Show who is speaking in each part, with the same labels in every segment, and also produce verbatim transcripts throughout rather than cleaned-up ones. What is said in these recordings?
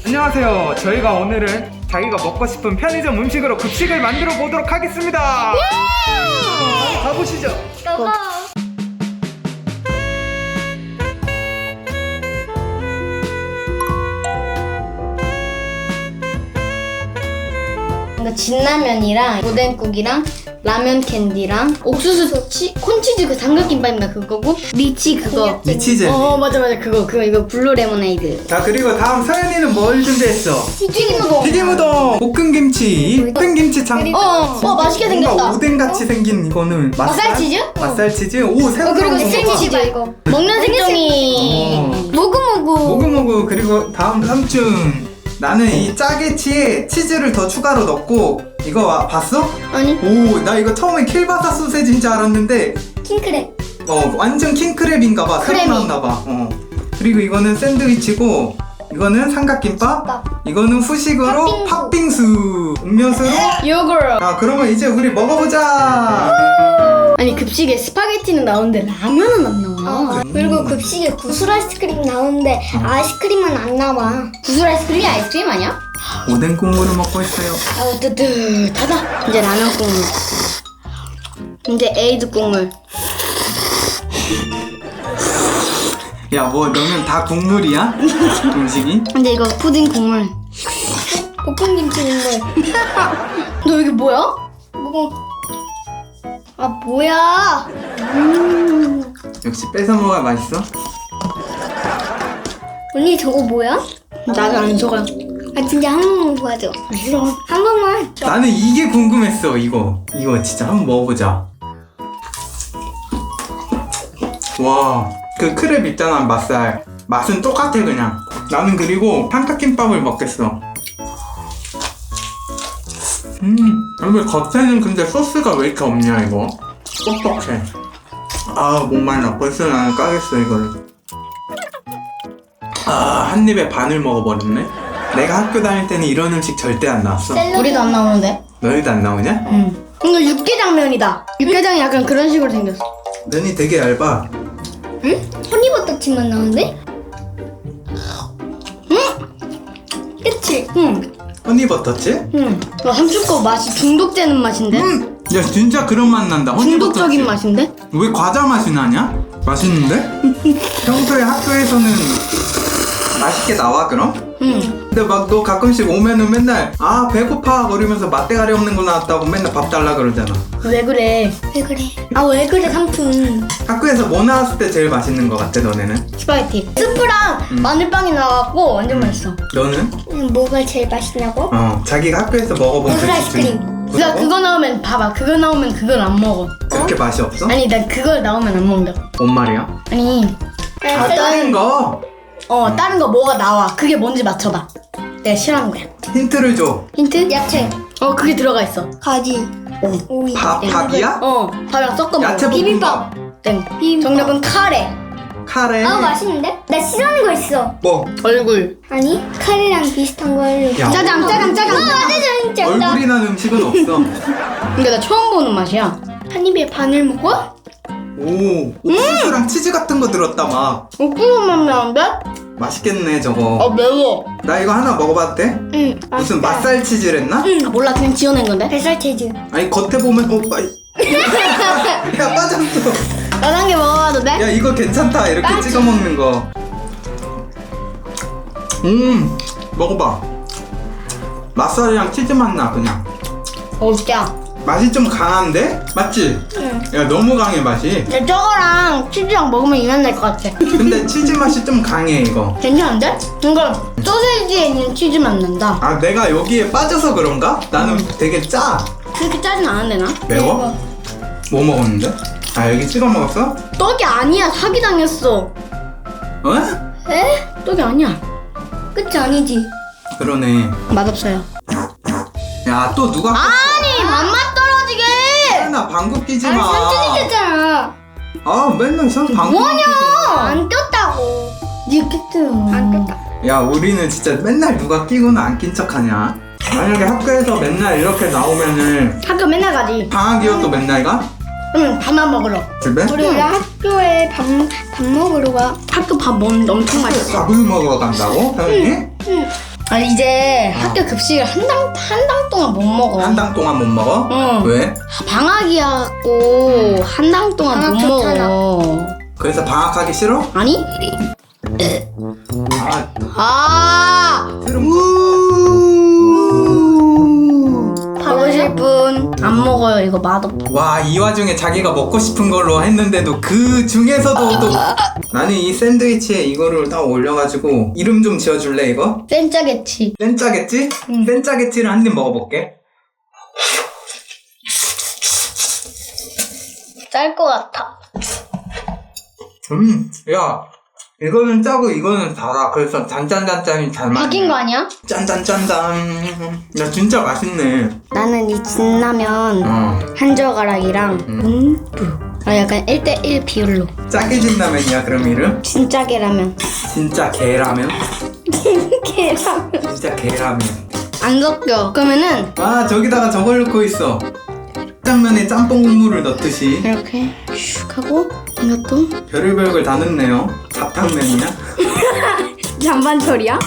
Speaker 1: 안녕하세요. 저희가 오늘은 자기가 먹고 싶은 편의점 음식으로 급식을 만들어 보도록 하겠습니다. 어, 가보시죠.
Speaker 2: 고고.
Speaker 3: 이거 진라면이랑 오뎅국이랑 라면 캔디랑 옥수수 치, 콘치즈 그 삼각김밥인가 그거고 미치 그거
Speaker 1: 미치젤리.
Speaker 3: 어 맞아 맞아 그거 그거 이거 블루 레모네이드
Speaker 1: 자, 그리고 다음 서연이는 뭘 준비했어?
Speaker 3: 튀김우동
Speaker 1: 튀김우동, 볶음김치, 볶음김치 참.
Speaker 3: 어, 어 맛있게
Speaker 1: 뭔가
Speaker 3: 생겼다
Speaker 1: 오뎅같이 생긴 이거는 맛살?
Speaker 3: 맛살치즈?
Speaker 1: 맛살치즈? 오, 새우
Speaker 3: 어, 그리고
Speaker 1: 들어간 거 봐.
Speaker 3: 생치즈 이거 먹는 색종이
Speaker 1: 어.
Speaker 3: 모구모구
Speaker 1: 모구모구. 그리고 다음 삼촌, 나는 이 짜게치에 치즈를 더 추가로 넣고. 이거 와, 봤어?
Speaker 3: 아니
Speaker 1: 오, 나 이거 처음에 킬바사 소세지인 줄 알았는데
Speaker 3: 킹크랩
Speaker 1: 어, 완전 킹크랩인가봐. 새로
Speaker 3: 크랩이.
Speaker 1: 나왔나봐. 어. 그리고 이거는 샌드위치고, 이거는 삼각김밥, 이거는 후식으로
Speaker 3: 팥빙수.
Speaker 1: 팥빙수, 음료수로.
Speaker 3: 요거로
Speaker 1: 아, 그러면 이제 우리 먹어보자.
Speaker 3: 아니 급식에 스파게티는 나오는데 라면은 안 나와
Speaker 2: 그리고 급식에 구슬 아이스크림 나오는데 아이스크림은 안 나와.
Speaker 3: 구슬 아이스크림이 아이스크림 아니야?
Speaker 1: 오뎅 국물을 먹고 있어요.
Speaker 3: 아우 뜨뜻하다 이제 라면 국물 이제 에이드 국물
Speaker 1: 야, 뭐 넣으면 다 국물이야? 음식이?
Speaker 3: 이제 이거 푸딩 국물
Speaker 2: 볶음김치 국물.
Speaker 3: 너 이게 뭐야?
Speaker 2: 뭐? 아 뭐야?
Speaker 3: 음.
Speaker 1: 역시 뺏어 먹어야 맛있어.
Speaker 2: 언니 저거 뭐야?
Speaker 3: 나는 안 속아
Speaker 2: 아 진짜 한 번만 도와줘.
Speaker 3: 싫어
Speaker 2: 한 번만.
Speaker 1: 나는 이게 궁금했어. 이거 이거 진짜 한번 먹어보자. 와, 그 크랩 있잖아, 맛살. 맛은 똑같아 그냥. 나는 그리고 삼각김밥을 먹겠어. 음, 여기 겉에는 근데 소스가 왜 이렇게 없냐 이거? 뻑뻑해. 아, 목말라. 벌써 나는 까겠어 이거를. 아, 한 입에 반을 먹어버렸네. 내가 학교 다닐 때는 이런 음식 절대 안 나왔어.
Speaker 3: 우리도 안 나오는데
Speaker 1: 너희도 안 나오냐?
Speaker 3: 응 이거 육개장면이다 육개장이 약간 그런 식으로 생겼어
Speaker 1: 면이 되게 얇아.
Speaker 2: 응? 허니버터칩만 나오는데? 그치?
Speaker 3: 응
Speaker 1: 허니버터칩?
Speaker 3: 응. 너 함축거 맛이 중독되는 맛인데?
Speaker 1: 음! 야, 진짜 그런 맛 난다.
Speaker 3: 중독적인
Speaker 1: 허니버터칩.
Speaker 3: 맛인데?
Speaker 1: 왜 과자 맛이 나냐? 맛있는데? 평소에 학교에서는 맛있게 나와 그럼?
Speaker 3: 응.
Speaker 1: 근데 막 너 가끔씩 오면은 맨날 아 배고파 거리면서 맛대가리 없는 거 나왔다고 맨날 밥 달라 그러잖아.
Speaker 3: 왜 그래?
Speaker 2: 왜 그래? 아 왜 그래 삼촌?
Speaker 1: 학교에서 뭐 나왔을 때 제일 맛있는 거 같아 너네는?
Speaker 3: 스파게티. 스프랑
Speaker 1: 음.
Speaker 3: 마늘빵이 나와갖고 완전 맛있어.
Speaker 1: 너는?
Speaker 2: 음, 뭐가 제일 맛있냐고?
Speaker 1: 어, 자기가 학교에서 먹어본
Speaker 2: 구슬
Speaker 1: 그
Speaker 2: 아이스크림.
Speaker 1: 중에
Speaker 3: 나
Speaker 1: 그거?
Speaker 3: 그거 나오면 봐봐. 그거 나오면 그걸 안 먹어.
Speaker 1: 그렇게 맛이 없어?
Speaker 3: 아니 나 그거 나오면 안 먹는다.
Speaker 1: 뭔 말이야?
Speaker 3: 아니
Speaker 1: 아, 다른 거
Speaker 3: 어 다른 거 뭐가 나와. 그게 뭔지 맞춰봐. 내가 싫어하는 거야.
Speaker 1: 힌트를 줘.
Speaker 3: 힌트?
Speaker 2: 야채,
Speaker 3: 어 그게 들어가 있어.
Speaker 2: 가지,
Speaker 3: 어.
Speaker 2: 오이.
Speaker 1: 밥, 밥이야?
Speaker 3: 어 밥이랑 섞어 먹어.
Speaker 1: 야채
Speaker 2: 비빔밥.
Speaker 3: 땡.
Speaker 2: 비빔밥.
Speaker 3: 정답은 카레.
Speaker 1: 카레.
Speaker 2: 아 맛있는데? 나 싫어하는 거 있어.
Speaker 1: 뭐?
Speaker 3: 얼굴.
Speaker 2: 아니 카레랑 비슷한 걸.
Speaker 1: 야,
Speaker 3: 짜장 짜장 짜장.
Speaker 2: 아 맞아 진짜.
Speaker 1: 얼굴이 난 음식은 없어.
Speaker 3: 근데 나 처음 보는 맛이야.
Speaker 2: 한 입에 반을 먹어?
Speaker 1: 오, 옥수수랑 치즈 같은 거 들었다 막.
Speaker 3: 옥수수 맛 나는데?
Speaker 1: 맛있겠네 저거.
Speaker 3: 어 매워.
Speaker 1: 나 이거 하나 먹어봐도 돼?
Speaker 2: 응.
Speaker 1: 무슨 맛살 치즈랬나?
Speaker 3: 아, 몰라 그냥 지어낸 건데.
Speaker 2: 뱃살 치즈.
Speaker 1: 아니 겉에 보면 어, 빠이. 야 빠졌어.
Speaker 3: 난 한 개 먹어봐도 돼?
Speaker 1: 야 이거 괜찮다 이렇게 찍어 먹는 거. 음, 먹어봐. 맛살이랑 치즈 맛 나 그냥.
Speaker 3: 어 진짜.
Speaker 1: 맛이 좀 강한데? 맞지?
Speaker 2: 응.
Speaker 1: 야 너무 강해 맛이.
Speaker 3: 근데 저거랑 치즈랑 먹으면 이만 날 것 같아.
Speaker 1: 근데 치즈 맛이 좀 강해 이거.
Speaker 3: 괜찮은데? 이거 소세지에 있는 치즈 맛 난다.
Speaker 1: 아 내가 여기에 빠져서 그런가? 나는 되게 짜.
Speaker 3: 그렇게 짜진 않은데 나?
Speaker 1: 매워? 뭐 먹었는데? 아 여기 찍어 먹었어?
Speaker 3: 떡이 아니야. 사기당했어.
Speaker 1: 어?
Speaker 2: 에?
Speaker 3: 떡이 아니야.
Speaker 2: 끝이 아니지.
Speaker 1: 그러네.
Speaker 3: 맛없어요.
Speaker 1: 야 또 누가
Speaker 3: 아니 맛맛 떨어지게.
Speaker 1: 나 방구 끼지
Speaker 2: 아니
Speaker 1: 마.
Speaker 2: 삼촌이 꼈잖아.
Speaker 1: 아 맨날 선 방구
Speaker 3: 뭐냐?
Speaker 2: 안 꼈다고.
Speaker 3: 니 깼잖아.
Speaker 2: 안 꼈다.
Speaker 1: 야 우리는 진짜 맨날 누가 끼고는 안 낀 척하냐? 만약에 학교에서 맨날 이렇게 나오면은
Speaker 3: 학교 맨날 가지.
Speaker 1: 방학이어도 맨날 가?
Speaker 3: 응 밥만 먹으러.
Speaker 1: 집에?
Speaker 2: 우리 원래 학교에 밥, 밥 먹으러 가.
Speaker 3: 학교 밥 먹는데 엄청 맛있어.
Speaker 1: 밥을 먹으러 간다고? 서연이?
Speaker 2: 응.
Speaker 3: 아니 이제 학교 급식을 한 당 한 당 동안 못 먹어.
Speaker 1: 한 당 동안 못 먹어?
Speaker 3: 응.
Speaker 1: 왜?
Speaker 3: 방학이었고 한 당 동안
Speaker 2: 방학
Speaker 3: 못
Speaker 2: 좋잖아.
Speaker 3: 먹어.
Speaker 1: 그래서 방학하기 싫어?
Speaker 3: 아니?
Speaker 1: 아,
Speaker 3: 아
Speaker 1: 싫은
Speaker 3: 먹으실 분 안 먹어요. 이거 맛없어.
Speaker 1: 와, 이 와중에 자기가 먹고 싶은 걸로 했는데도 그 중에서도 또 나는 이 샌드위치에 이거를 딱 올려가지고 이름 좀 지어줄래 이거?
Speaker 3: 센짜겠지.
Speaker 1: 센짜겠지? 센짜겠지를 한 입 먹어볼게.
Speaker 3: 짤 것 같아.
Speaker 1: 음, 야, 이거는 짜고 이거는 달아. 그래서 단짠단짠이 잘 맞네.
Speaker 3: 바뀐 거 아니야?
Speaker 1: 짠짠짠짠. 야, 진짜 맛있네.
Speaker 3: 나는 이 진라면
Speaker 1: 어.
Speaker 3: 한 젓가락이랑 음. 아 약간 일 대 일 비율로.
Speaker 1: 짜게 진라면이야 그럼 이름?
Speaker 3: 진짜 계라면.
Speaker 1: 진짜 개라면?
Speaker 3: 계라면.
Speaker 1: 진짜 개라면.
Speaker 3: 안 섞여. 그러면은
Speaker 1: 아, 저기다가 저걸 넣고 있어. 짜장면에 짬뽕 국물을 넣듯이
Speaker 3: 이렇게 슉 하고 이것도
Speaker 1: 별의별 걸 다 넣네요. 잡탕면이야?
Speaker 3: 잔반철이야?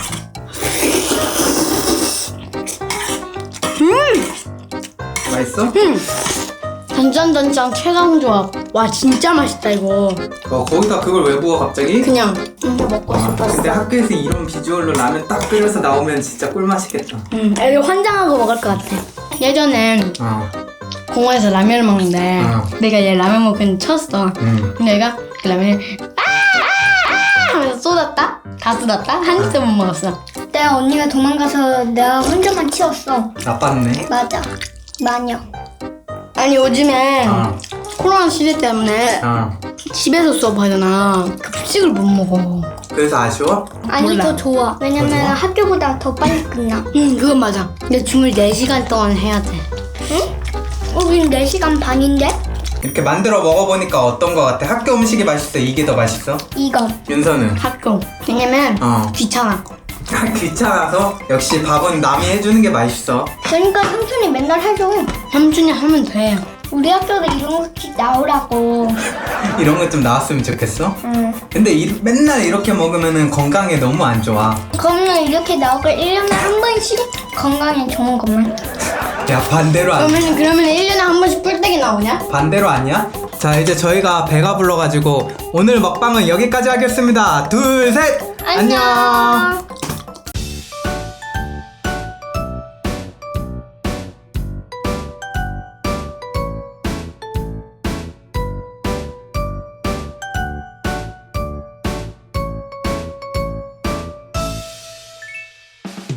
Speaker 1: 맛있어?
Speaker 3: 음. 단짠단짠 최강 조합. 와 진짜 맛있다 이거.
Speaker 1: 어, 거기다 그걸 왜 부어 갑자기?
Speaker 3: 그냥 이거 먹고
Speaker 1: 아,
Speaker 3: 싶었어.
Speaker 1: 근데 학교에서 이런 비주얼로 라면 딱 끓여서 나오면 진짜 꿀맛이겠다.
Speaker 3: 음, 이거 환장하고 먹을 것 같아. 예전엔
Speaker 1: 어.
Speaker 3: 공원에서 라면을 먹는데
Speaker 1: 어.
Speaker 3: 내가 얘 라면 먹은 쳤어.
Speaker 1: 음.
Speaker 3: 근데 얘가 그 라면을 아아아 하면서 쏟았다. 다 쏟았다. 한 입도 못 먹었어.
Speaker 2: 내가 언니가 도망가서 내가 혼자만 치웠어.
Speaker 1: 나빴네.
Speaker 2: 맞아. 마녀.
Speaker 3: 아니 요즘에
Speaker 1: 어.
Speaker 3: 코로나 시대 때문에
Speaker 1: 어.
Speaker 3: 집에서 수업하잖아. 급식을 못 먹어.
Speaker 1: 그래서 아쉬워?
Speaker 2: 아니
Speaker 3: 몰라.
Speaker 2: 더 좋아. 왜냐면
Speaker 1: 더 좋아?
Speaker 2: 학교보다 더 빨리 끝나.
Speaker 3: 응 그건 맞아. 근데 줌을 네 시간 동안 해야 돼.
Speaker 2: 우린 네 시간 반인데?
Speaker 1: 이렇게 만들어 먹어보니까 어떤 거 같아? 학교 음식이 맛있어? 이게 더 맛있어?
Speaker 2: 이거.
Speaker 1: 윤서는?
Speaker 3: 학교. 왜냐면
Speaker 1: 어.
Speaker 3: 귀찮아.
Speaker 1: 귀찮아서? 역시 밥은 남이 해주는 게 맛있어.
Speaker 2: 그러니까 삼촌이 맨날 해줘.
Speaker 3: 삼촌이 하면 돼.
Speaker 2: 우리 학교도 이런 거씩 나오라고.
Speaker 1: 이런 거 좀 나왔으면 좋겠어?
Speaker 2: 응.
Speaker 1: 근데 이, 맨날 이렇게 먹으면 건강에 너무 안 좋아.
Speaker 2: 그러면 이렇게 나오고 일 년에 한 번씩 건강에 좋은 것만.
Speaker 1: 야, 반대로 안
Speaker 3: 그러면 그러면 일 년에 한 번씩 뿔떼기 나오냐?
Speaker 1: 반대로 아니야? 자, 이제 저희가 배가 불러가지고 오늘 먹방은 여기까지 하겠습니다. 둘, 셋!
Speaker 2: 안녕.